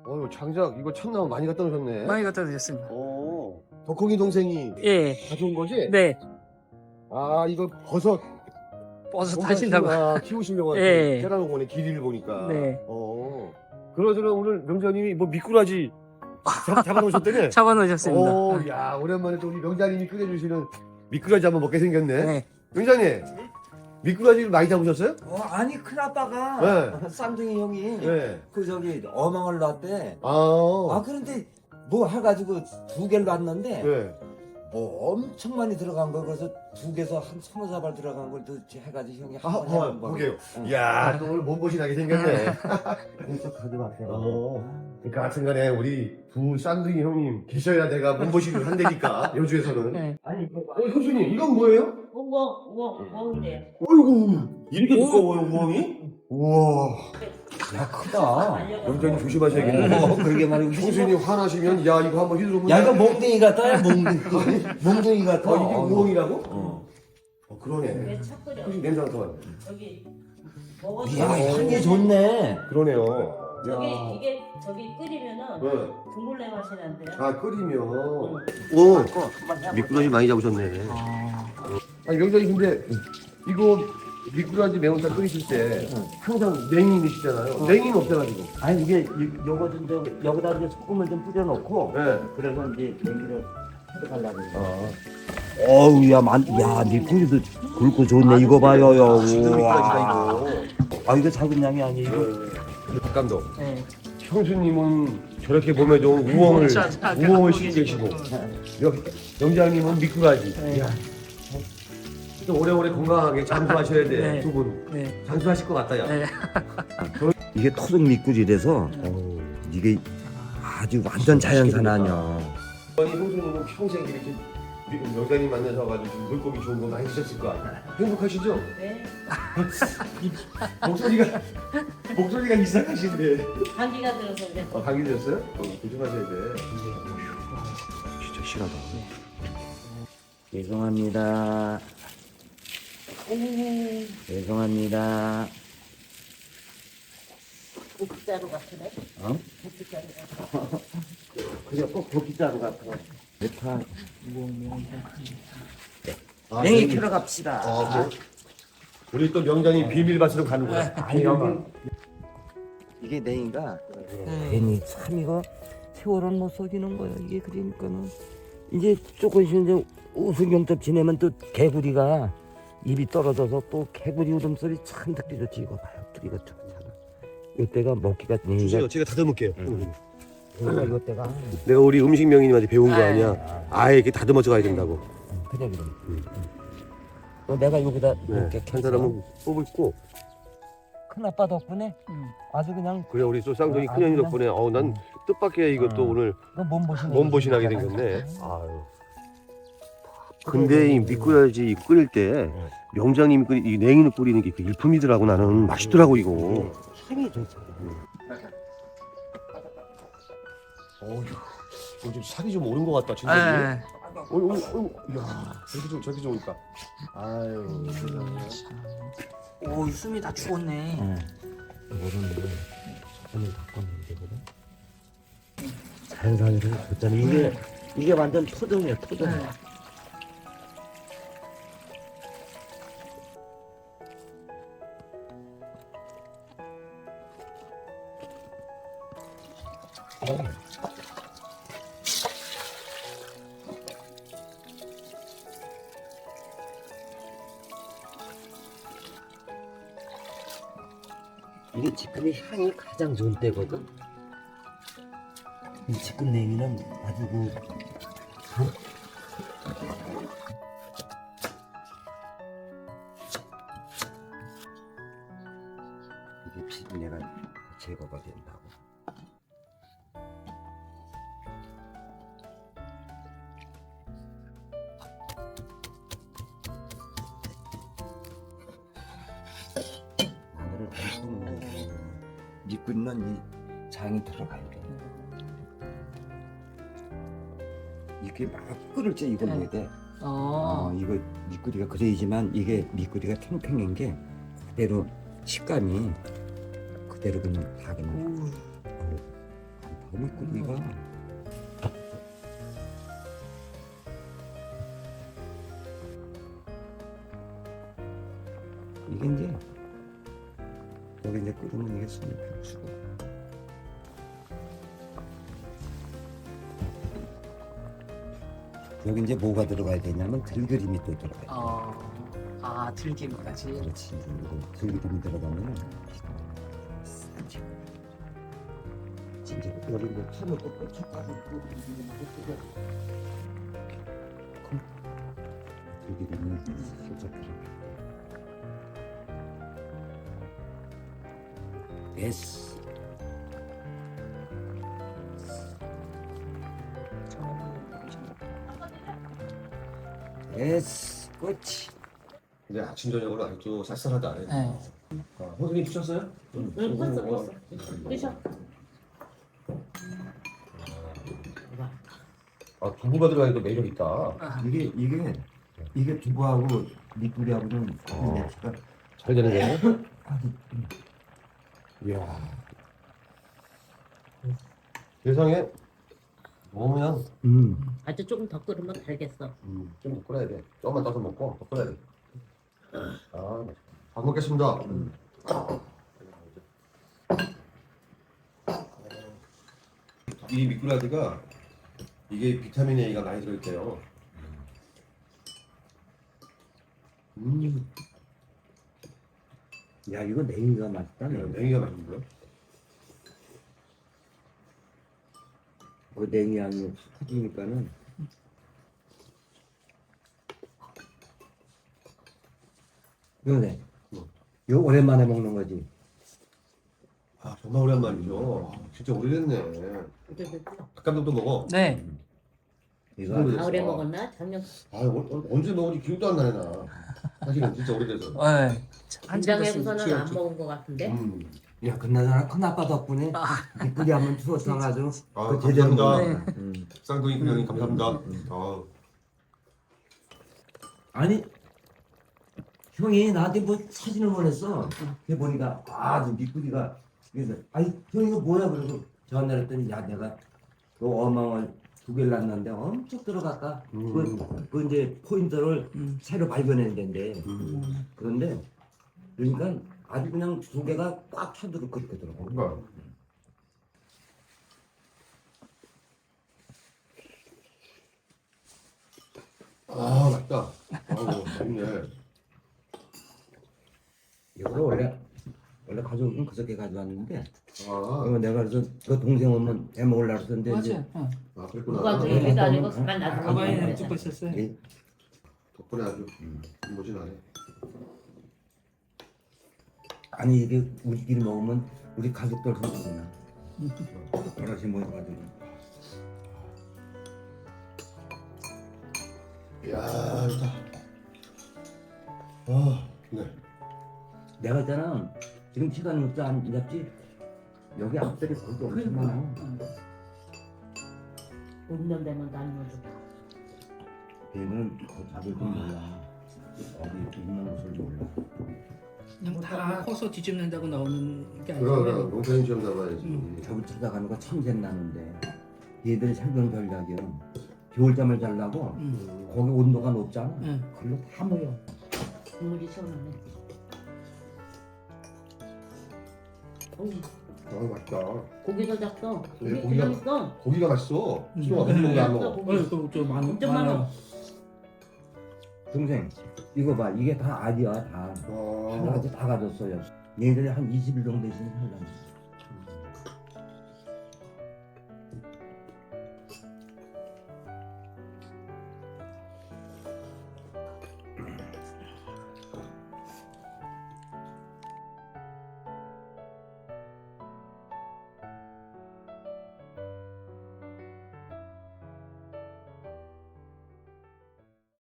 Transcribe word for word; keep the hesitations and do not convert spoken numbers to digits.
어유 장작 이거 참나무 많이 갖다 놓으셨네. 많이 갖다 드렸습니다. 오. 덕홍이 동생이 예. 가져온 거지? 네. 아 이거 버섯. 버섯 하신다고. 키우- 키우시려고 예. 캐라놓은 거네 길이를 보니까. 네. 어. 그러저러 오늘 명자님이 뭐 미꾸라지 잡, 잡아놓으셨대네. 잡아놓으셨습니다. 오, 야 오랜만에 또 우리 명자님이 끓여주시는 미꾸라지 한번 먹게 생겼네. 네. 명자님 미꾸라지를 많이 잡으셨어요? 어, 아니 큰아빠가 네. 쌍둥이 형이 네. 그 저기 어망을 놨대. 아. 아 그런데 뭐 해가지고 두 개를 놨는데 네. 뭐 엄청 많이 들어간 거 그래서 두 개에서 한 서너 사발 들어간 걸 또 해가지고 형이 아, 한번 한번 해본 거. 보게요. 응. 이야, 또 오늘 몸보신 하게 생겼네. 그래서 가져왔어요. 어, 그러니까 하여튼간에 우리 두 쌍둥이 형님 계셔야 내가 몸보신을 한다니까, 여주에서는. 네. 아니 이거 어, 형수님, 이건 뭐예요? 우엉, 우엉, 우엉이래. 어이구, 이렇게 두꺼워요, 우엉이? 우와, 야 크다. 명장님 조심하셔야겠네. 어, 그러게 말이고. 형수님 화나시면, 야, 이거 한번 휘두르면. 야 이거 몽둥이 같다. 몽둥이. 몽둥이 같아. 어, 이게 우엉이라고? 어. 어, 그러네. 왜 척끓여? 형수님 냄새 맡아봐요. 저기 먹어도 이야 향이 좋네. 그러네요. 저기 야. 이게 저기 끓이면은 네. 국물내 맛이 난대요. 아, 끓이면. 응. 오, 미꾸라지 많이 잡으셨네. 아, 아니 명장님 근데 이거 미꾸라지 매운탕 끓이실 때 항상 냉이 넣으시잖아요. 냉이는 없어가지고. 아니 이게 이- 요거 좀 저, 여기다 이제 소금을 좀 뿌려놓고 네. 그래서 이제 냉기를 해가려고. 아, 어우 야, 만, 야, 미꾸리도 굵고 좋네. 이거 봐요, 야. 지금 미꾸라지다 우와. 이거. 아, 이거 작은 양이 아니에요. 이거. 박 감독. 네. 형수님은 저렇게 몸에 좋은 우엉을 우엉을 시키고 계시고 명- 명장님은 미꾸라지. 네. 이야. 좀 오래오래 건강하게 장수하셔야 돼. 네. 두 분. 네. 장수하실 것 같다 야. 네. 이게 토종 미꾸리라서 어우. 이게 아주 완전 자연산 아니야. 아니 형수님은 평생 이렇게 미- 명장님 만나셔가지고 물고기 좋은 거 많이 드셨을 거 아니야. 행복하시죠? 네. 목소리가 목소리가 이상하신데. 감기가 들어서 그래. 아, 감기 드셨어요? 어, 조심하셔야 돼. 진짜 실하다. 죄송합니다. 죄송합니다. 국자루 같으네. 어? 국자루 같아. 그래, 꼭 고기자루 같아. 대파. 아, 냉이 냉이. 캐러 갑시다. 아, 그래? 우리 또 명장님 비밀밭으로 가는 거야. 아니, 이게 냉이가 네. 괜히 참 이거 세월은 못 속이는 거야. 이게 그러니까는 이제 조금씩 이제 우승경첩 지내면 또 개구리가 입이 떨어져서 또 개구리 울음소리 참 듣기 좋지. 이거 봐요. 이거 좋잖아. 이때가 먹기가 냉이가 제가 다듬을게요. 그러니까 이때가 내가 우리 음식 명인님한테 배운 거 아, 아니야. 아예 이렇게 다듬어져 가야 된다고. 그래 그래. 어, 내가 여기다 이렇게 네. 한 사람은 뽑고 큰 아빠 덕분에 음. 아주 그냥 그래 우리 또 쌍둥이 아, 큰형님 그냥- 덕분에 어우 난 뜻밖의 이것도 어. 오늘 몸보신 몸보신하게 생겼네. 아유. 근데 이 미꾸라지 끓일 때 명장님이 끓이 이 냉이를 끓이는 게 그 일품이더라고. 나는 맛있더라고 이거. 향이 좋죠. 어휴, 좀 살이 좀 오른 것 같다 진짜. 네. 어이, 어이, 어이, 야, 저렇게 좀 저렇게 좋으니까. 아유, 세상에. 오, 이 숨이 다 죽었네. 모르는데 오늘 바꿨는데 되거든. 자연산으로 줬잖아. 이게 이게 완전 토종이야 토종. 네. 이게 지금의 향이 가장 좋은 때거든. 이 지금 냉이는 아주 그 이게 비린내가 제거가 된다고. 마늘을 엄청 넣어서 미꾸리는 이 장이 들어가야 돼. 이게 막 끓을 때 이걸 네. 넣어야 돼. 어. 어, 이거 미꾸리가 그래야지만 이게 미꾸리가 탱탱한 게 그대로 식감이 그대로 그냥 다 그냥 오. 어우, 많다. 미꾸리가 이게 이제 여기 이제 끓으면 이게 숨이 푹 여기 이제 뭐가 들어가야 되냐면 들기름이 또 들어가요. 어, 아 들기름까지. 그렇지. 이거 들기름이 들어가면 싸지. 진짜 여기 이제 파는 또 고춧가루 또 들기름이 살짝 들어가. 됐어. 됐어. 끝이. 근데 아침 저녁으로 아직도 쌀쌀하다. 네. 아, 호동이 드셨어요? 응, 컸어, 컸어. 드셔. 아, 두부가 들어가니까 매력 있다. 아, 이게 이게 이게 두부하고 미꾸리하고는 어. 매치가 잘 되는 거예요? 이야. 세상에 너무 그냥 음. 아주 조금 더 끓으면 달겠어. 음, 좀더 끓여야 돼. 조금만 떠서 먹고 더 끓여야 돼. 아, 잘 먹겠습니다. 음. 이 미꾸라지가 이게 비타민 A가 많이 들어있대요. 음, 야 이거 냉이가 맛있다. 네, 냉이. 냉이가 맛있고요. 그 냉이 향이 퍼지니까는 이거네. 뭐? 이거 오랜만에 먹는 거지. 아, 정말 오랜만이죠. 아, 진짜 오래됐네. 닭감독도 먹어. 네. 이거 오래됐어. 가을에 먹었나? 작년 아, 어, 언제 먹은지 기억도 안 나네 나. 사실은 진짜 오래돼서. 네. 한참 김장해서는 됐어요. 안 먹은 것 같은데. 음. 야 그나저나 큰아빠 덕분에 아, 미꾸리 한번 추어서가지고 아, 그 제대로 감사합니다. 먹네. 음. 쌍둥이 형님 감사합니다. 아, 아니 형이 나한테 뭐 사진을 보냈어. 그래 보니까 아주 미꾸리가 그래서 아니 형 이거 뭐야 그러고 전화를 했더니 야 내가 그 어망을 두 개를 낳았는데 엄청 들어갔다. 음. 그, 그 이제 포인트를 음. 새로 발견해야 된대. 음. 그런데 그러니까 아주 그냥 두 개가 꽉 차도록 그렇게 들어가. 뭔가. 아, 맛있다. 아우, 맛있네. 이거 원래 원래 가져오긴 그저께 가져왔는데 아, 이거 내가 그래서 그 동생 오면 해 먹으려고 했는데 이제 맞아요. 어. 아, 그랬구나. 누가 네. 저기도 아니고 가만 놔두고 가방에 먹는 찍고 거잖아. 있었어요. 이- 덕분에 아주 모진하네. 아니 이게 우리끼리 먹으면 우리 가족들 그러구나. 여럿이 모여가지고. 이야, 좋다. 아, 네. 내가 있잖아 지금 시간이 없어 안 잡지 여기 앞들이 거기 엄청 많아. 봄년 되면 나누면 좋다. 얘는 그 잡을 줄 몰라. 어디 있는 곳을 몰라. 그냥 다 커서 뒤집는다고 나오는 게 그럼, 아니고. 그럼, 농사인 시험 잡아야지. 음. 저기 찾아가는 거 참새 나는데 얘들이 살던 전략이야. 겨울잠을 자려고 음. 거기 온도가 높잖아. 네. 그걸로 다 모여. 국물이 시원하네. 어우, 아, 맛있다. 고기도 작어. 네, 고기 고기가- 그냥 있어. 고기가 맛있어. 음. 수영아, 무슨 고기 안 음. 먹어? 고기. 어, 그저 많 엄청 많아. 동생 이거 봐 이게 다 알이야 다. 아, 하나같이 다 가졌어요. 얘들이 한 이십 일 정도 있으면 살란다.